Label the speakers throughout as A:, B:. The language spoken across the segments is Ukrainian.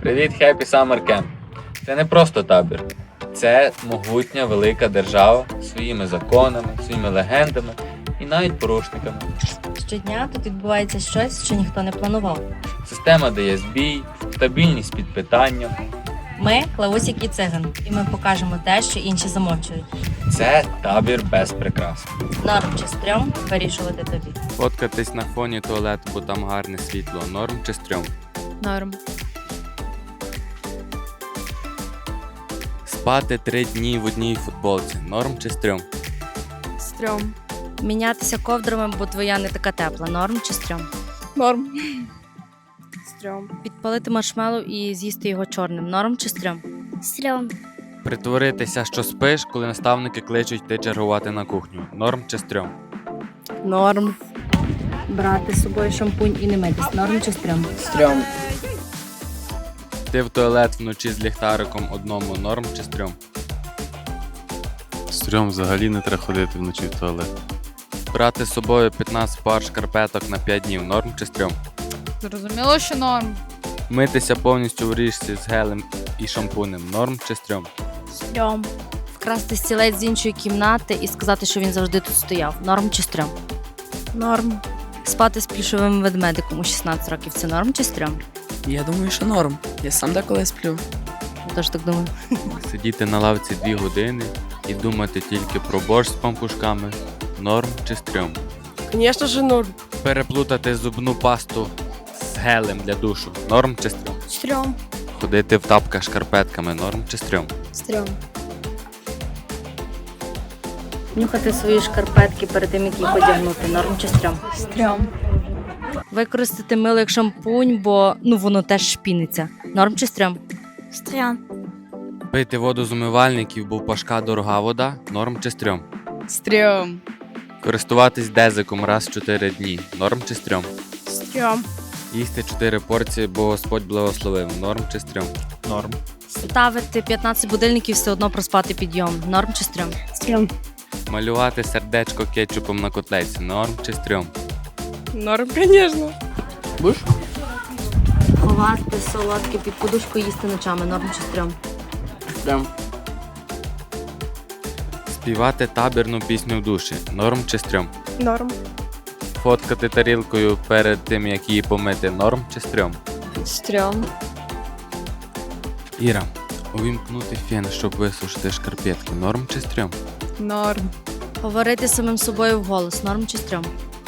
A: Привіт, Happy Summer Camp! Це не просто табір. Це могутня велика держава з своїми законами, своїми легендами і навіть порушниками.
B: Щодня тут відбувається щось, що ніхто не планував.
A: Система дає збій, стабільність під питанням.
B: Ми Клавусік і Циган, і ми покажемо те, що інші замовчують.
A: Це табір без прикрас.
B: Норм чи стрьом вирішувати тобі.
A: Фоткатись на фоні туалету, бо там гарне світло. Норм чи стрьом?
B: Норм.
A: Спати 3 дні в одній футболці. Норм чи стрьом?
B: Стрьом. Мінятися ковдрами, бо твоя не така тепла. Норм чи стрьом?
C: Норм. Стрьом.
B: Підпалити маршмеллоу і з'їсти його чорним. Норм чи стрьом?
C: Стрьом.
A: Притворитися, що спиш, коли наставники кличуть йти чергувати на кухню. Норм чи стрьом?
C: Норм.
B: Брати з собою шампунь і не митись. Норм чи стрьом?
C: Стрьом.
A: Йти в туалет вночі з ліхтариком одному. Норм чи стрьом?
D: Стрьом, взагалі не треба ходити вночі в туалет.
A: Брати з собою 15 пар шкарпеток на 5 днів. Норм чи стрьом?
C: Зрозуміло, що норм.
A: Митися повністю в річці з гелем і шампунем. Норм чи стрьом?
C: Стрьом.
B: Вкрасти стілець з іншої кімнати і сказати, що він завжди тут стояв. Норм чи стрьом?
C: Норм.
B: Спати з плюшовим ведмедиком у 16 років. Це норм чи стрьом?
E: Я думаю, що норм. Я сам деколи сплю.
B: Я теж так думаю.
A: Сидіти на лавці 2 години і думати тільки про борщ з пампушками. Норм чи стрьом?
C: Звісно ж, норм.
A: Переплутати зубну пасту з гелем для душу. Норм чи стрьом?
C: Стрьом.
A: Ходити в тапках шкарпетками. Норм чи стрьом?
C: Стрьом.
B: Нюхати свої шкарпетки перед тим, як їх одягнути. Норм чи стрьом?
C: Стрьом.
B: Використати мило як шампунь, бо воно теж шпіниться. Норм чи стрьом?
C: Стрьом.
A: Пити воду з умивальників, бо в Пашка дорога вода. Норм чи стрьом?
C: Стрьом.
A: Користуватись дезиком раз в 4 дні. Норм чи стрьом?
C: Стрьом.
A: Їсти 4 порції, бо Господь благословив. Норм чи стрьом? Норм.
B: Ставити 15 будильників, все одно проспати підйом. Норм чи стрьом?
C: Стрьом.
A: Малювати сердечко кетчупом на котлеці. Норм чи стрьом?
C: Норм, звісно.
E: Будеш?
B: Ховати солодке під подушку і їсти ночами. Норм чи стрьом?
E: Прям.
A: Співати табірну пісню в душі. Норм чи стрьом?
C: Норм.
A: Фоткати тарілкою перед тим, як її помити. Норм чи стрьом?
C: Стрьом.
A: Іра, увімкнути фен, щоб висушити шкарпетки. Норм чи стрьом?
C: Норм.
B: Говорити самим собою вголос. Норм чи стрьом?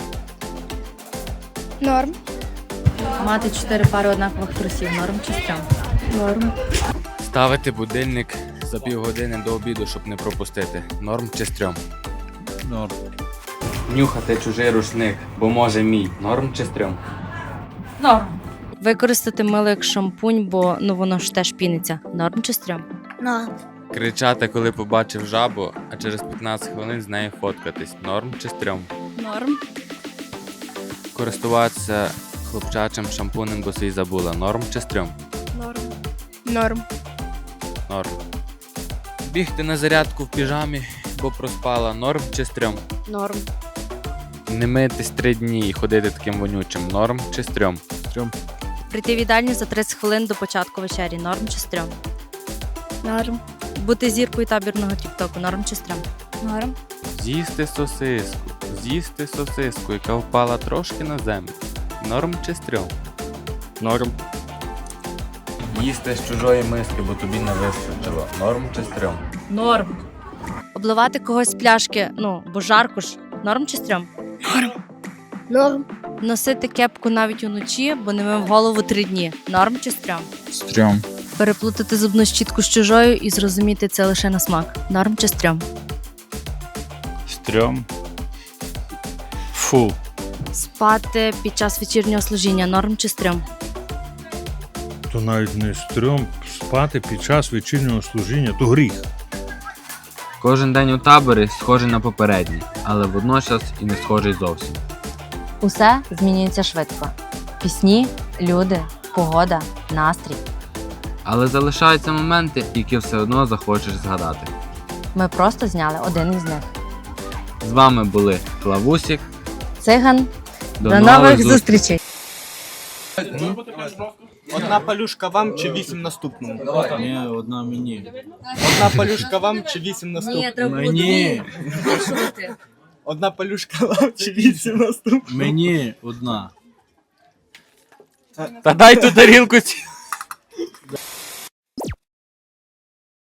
C: Норм.
B: Мати 4 пари однакових трусів. Норм чи стрьом?
C: Норм.
A: Ставити будильник за півгодини до обіду, щоб не пропустити. Норм чи стрьом?
D: Норм.
A: Нюхати чужий рушник, бо може мій. Норм чи стрьом?
B: Норм. Використати мило як шампунь, бо воно ж теж піниться. Норм чи стрьом?
C: Норм.
A: Кричати, коли побачив жабу, а через 15 хвилин з нею фоткатись. Норм чи стрьом?
C: Норм.
A: Користуватися хлопчачим шампунем, бо свій забула. Норм чи стрьом?
C: Норм. Норм.
A: Норм. Бігти на зарядку в піжамі, бо проспала. Норм чи стрьом?
C: Норм.
A: Не митись 3 дні і ходити таким вонючим. Норм чи стрьом?
D: Стрьом.
B: Прийти в їдальню за 30 хвилин до початку вечері. Норм чи стрьом?
C: Норм.
B: Бути зіркою табірного тіктоку. Норм чи стрьом?
C: Норм.
A: З'їсти сосиску, яка впала трошки на землю. Норм чи стрьом?
D: Норм.
A: Їсти з чужої миски, бо тобі не вистачило. Норм чи стрьом?
B: Норм. Обливати когось з пляшки, бо жарко ж. Норм чи стрьом?
C: Норм.
B: Носити кепку навіть уночі, бо не мив голову 3 дні. Норм чи стрьом?
D: Стрьом.
B: Переплутати зубну щітку з чужою і зрозуміти це лише на смак. Норм чи стрьом?
D: Стрьом. Фу.
B: Спати під час вечірнього служіння. Норм чи стрьом?
F: То навіть не стрьом спати під час вечірнього служіння, то гріх.
A: Кожен день у таборі схожий на попередній, але водночас і не схожий зовсім.
B: Усе змінюється швидко. Пісні, люди, погода, настрій.
A: Але залишаються моменти, які все одно захочеш згадати.
B: Ми просто зняли один із них.
A: З вами були Клавусік.
B: Циган.
A: До
B: До нових зустрічей!
G: Одна палюшка вам чи 8 наступному?
H: Ні, одна мені.
G: Одна палюшка вам чи 8 наступному?
B: Ні, треба було
H: Мені.
B: вирішувати.
G: Одна палюшка вам чи 8 наступному?
H: Мені одна.
A: Та дай ту тарілку.